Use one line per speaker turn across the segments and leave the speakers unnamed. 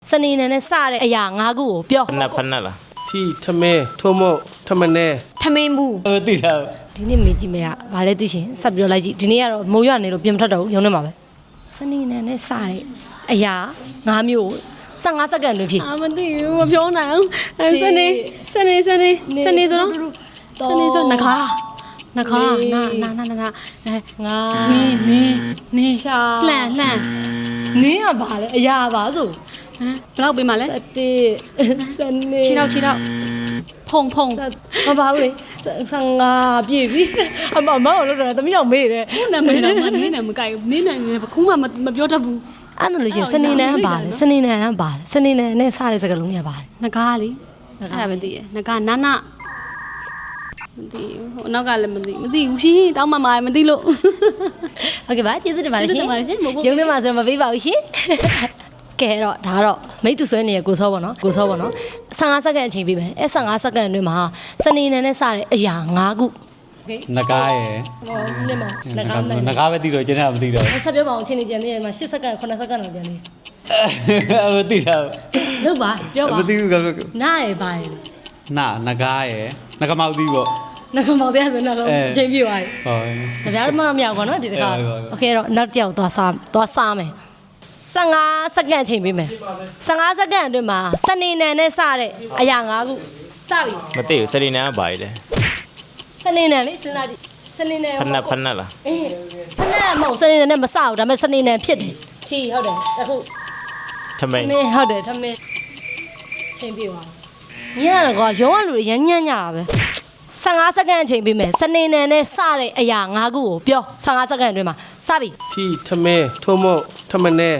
စနေနေ့နဲ့စတဲ့အရာ၅ခုကိုပြော
ဖက်နက်လား
ที่ทำเมทั่วโมทำมันแน่
ထမင်းဘူး
သိတာ
ဒီနေ့မေးကြည့်မယ်ကဘာလဲသိရှင်ဆက်ပြောလိုက်ကြည့်ဒီနေ့ကတော့မိုးရွာနေလို့ပြင်မထွက်တော့ဘူးရုံးနေမှာပဲစနေနေ့နဲ့စတဲ့အရာ၅မျိုး15စက္ကန့်တွင်ဖြစ်
မသိဘူးမပြောနိုင်အောင်စနေဆိုတော့စနေဆိုနခါနာ
င
နာ
ါ
နီ
ရှာ
လှန်
နင်းကဘာလဲအရာပါဆို
ဘယ်လောက်ပေးမှလဲ
စနေ
ခြေတော့ဖုံ
မပါဘူးလေ15ပြည့်ပြီအမမောင်လို့တော့သမီးတော်မေးတယ်
နာမည်တော့မနင်းနဲ့မကြိုက်ဘူးနင်းနဲ့ဘခုမှမပြောတတ်ဘူး
အဲ့ဒါလို့ရှင်စနေနေ့ကပါလေစနေနေ့ကပါလေစနေနေ့နဲ့စတဲ့စကားလုံးတွေကပါတယ်
နဂါလေအဲ့ဒါမသိရနဂါနာနာမသိဘူးဟိုနောက်ကလည်းမသိဘူးရှင်တောင်းမှမသိလို့
ဟုတ်ကဲ့ပါကျေးဇူးတင်ပါတယ်ရှင်ရုံးထဲမှာဆိုတော့မပေးပါဘူးရှင်ကဲတော့ဒါကတော့မိတ်တူဆွဲနေတဲ့ကိုစောပေါ့နော်15စက္ကန့်အချိန်ပေးမယ်အဲ့15စက္ကန့်အတွင်းမှာစနေနေ့နဲ့စတဲ့အရာ5ခုโอเค
နဂါရယ်
ဟောညမနဂါ
နဂါပဲသိတော့ကျန်တာမသိတော့
ဆက်ပြောပါအောင်အချိန်နေကြနေမှာ8စက္ကန့်9စက္ကန့်လောက်ကြနေ
မသိတာ
လို့ပါပြောပါ
မသိဘူးက
နားရပါရ
နဂါရယ်နဂမောက်သီးပေါ့
နဂမောင်ပြဆိုတော့အချိန်ပြည့်သွားပြီ
ဟော
။ကြပြားတော့မမရောက်ပါတော့ဒီတခါ။ Okay တော့နောက်တစ်ယောက်သွားစားမယ်။15စက္ကန့်အချိန်ပေးမယ်။15စက္ကန့်အတွင်းမှာစနေနေ့နဲ့စတဲ့အရာ၅ခုစပြီ
မသိဘူးစရီနန်ကဘာလဲ
။စနေနေ့လေစဉ်းစားကြည့်။စနေနေ့
ဖက်နက်လား
အေးဖက်နက်မဟုတ်စနေနေ့နဲ့မစဘူးဒါပေမဲ့စနေနေ့ဖြစ်တယ်။ထီဟုတ်တယ်။အခု
ထမင်း
မင်းဟုတ်တယ်ထမင်းချိန်ပြေသွား။ညရကွာရုံးကလူတွေရမ်းညံ့ညတာပဲ15စက္ကန့်အချိန်ပေးမယ်စနေနေ့နဲ့စတဲ့အရာ၅ခုကိုပြော15စက္ကန့်အတွင်းမှာစပြီ
ที่ทำเมทั่วโมทำมันแน่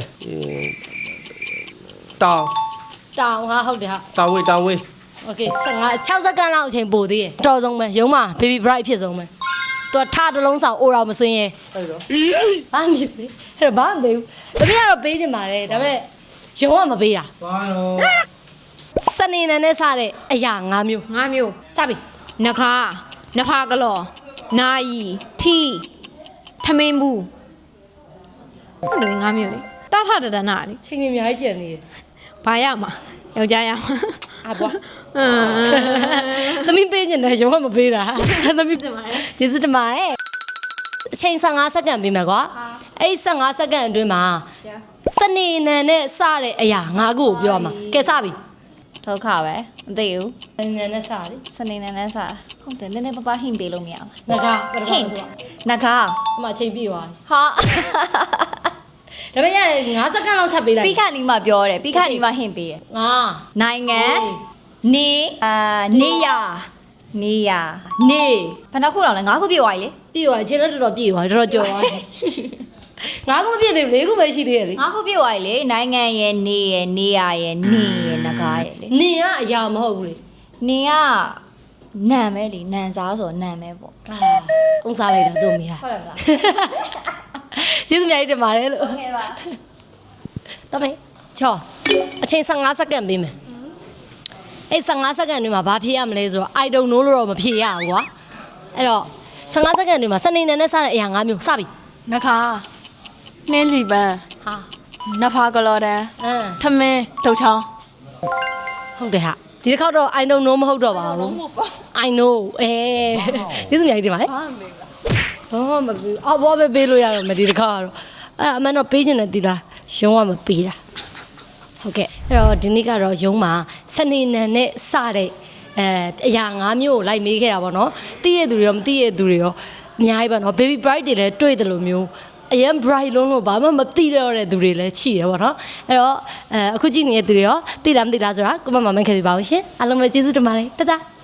ตาว
တောင်ဟာဟုတ်တယ်ဟာ
ตาวเว
โอเค6စက္ကန့်လောက်အချိန်ပို့သေးတယ်တော်ဆုံးပဲရုံးမှာ baby bright ဖြစ်ဆုံးပဲသူကထတစ်လုံးဆောင်အိုတော်မစင်းရဲ
အဲ့တော့
ဘာမှမဖြစ်ဘူးအဲ့တော့ဘာမှမပေးဘူးတမီးကတော့ပေးချင်ပါတယ်ဒါပေမဲ့ရုံးကမပေးတာ
ဘာတော့
စနေနေ့နဲ့စတဲ့အရာ၅မျိုး
ငါမျိုး
စပြီ
နခါနဖာကလောနာယီထီထမင်းဘူးဟုတ်တယ်ငါမျိုးလေတာထတဒနာလေ
ချိန်ကြီးအများကြီးကျန်နေတယ်
ဘာရမှာယောက်ျားရမှာ
အဘွားသမီးပေးချင်တယ်ရုံးကမပေးတာသမီးတင်ပါတယ်ကျေးဇူးတင်ပါတယ်အချိန်15စက္ကန့်ပေးမယ်ကွာအဲ့15စက္ကန့်အတွင်းမှာစနေနေ့နဲ့စတဲ့အရာ၅ခုကိုပြောမှာကဲစပြီ
ဒုက္ခပဲမသိဘူး
စနေနေ့နဲ့စတယ်
စနေနေ့နဲ့စားဟုတ်တယ်နည်းနည်းပါးပါးဟင့်ပေးလို့မရဘူး
ငကား
hint နဂါ
အမအချိန်ပြည့်သွား
ဟာ
ပြီဒါပေမဲ့ရတယ်9စက္ကန့်လောက်ထပ်ပေးလိုက်
ပြီးခါနီးမှပြောတယ်ပြီးခါနီးမှဟင့်ပေးတယ်
ငါ
နိုင်ငံနေနေရနေဘယ်နှခုလောက်လဲ9ခုပြည့်သွားပြီလေ
ပြည့်သွားအချိန်တော့တော်တော်ပြည့်သွားတော်တော်ကြော်သွားငါးခုမပြည့်သေးဘူး၄ခုပဲရှိသေးတယ်လေ
9ခုပြည့်သွားပြီလေနိုင်ငံရဲ့နေရဲ့နေရရဲ့နေရဲ့နဂါရဲ့လေ
နေကအရာမဟုတ်ဘူးလေ
နေကနံပဲလေနံစားဆိုနံပဲပေါ့
အုံစားလိုက်တာသူ့မိဟာ
ဟုတ်တယ်မလား
ကျေးဇူးများကြီးတင်ပါတယ်လို့
ဟုတ်ကဲ့ပါ
တမေချောအချိန်15စက္ကန့်ပေးမယ်အဲ့15စက္ကန့်တွင်မှာဘာဖြေရမလဲဆိုတော့ I don't know လို့တော့မဖြေရဘူးကွာအဲ့တော့15စက္ကန့်တွင်မှာစနေနေ့နဲ့စတဲ့အရာ၅မျိုးစပြီ
နခါနှဲလီပန်း
ဟာ
နဖာကလောတန် ထမင်းဒုတ်ချောင်း
ဟုတ်တယ်ဟာဒီတစ်ခေါက်တော့ I don't know မဟုတ်တော့ပါဘူး I know ကျေးဇူးများကြီးတင်ပါတယ်ဘာမှမပေးအော်ဘောပဲပေးလို့ရတော့မဒီတစ်ခါကတော့အဲ့အမှန်တော့ပေးချင်တယ်ဒီလားရုံးကမပေးတာဟုတ်ကဲ့အဲ့တော့ဒီနေ့ကတော့ရုံးမှာစနေနေ့နဲ့စတဲ့အရာ၅မျိုးကိုလိုက်မေးခဲ့တာပေါ့နော်သိတဲ့သူတွေရောမသိတဲ့သူတွေရောအများကြီးပေါ့နော် baby bright တွေလည်းတွေ့တယ်လို့မျိုးအရင် bright လုံးလို့ဘာမှမသိတော့တဲ့သူတွေလည်းရှိတယ်ပေါ့နော်အဲ့တော့အခုကြည့်နေတဲ့သူတွေရောသိလားမသိလားဆိုတာကိုမမမခဲ့ပြပါဦးရှင်အားလုံးပဲကျေးဇူးတင်ပါတယ်တတား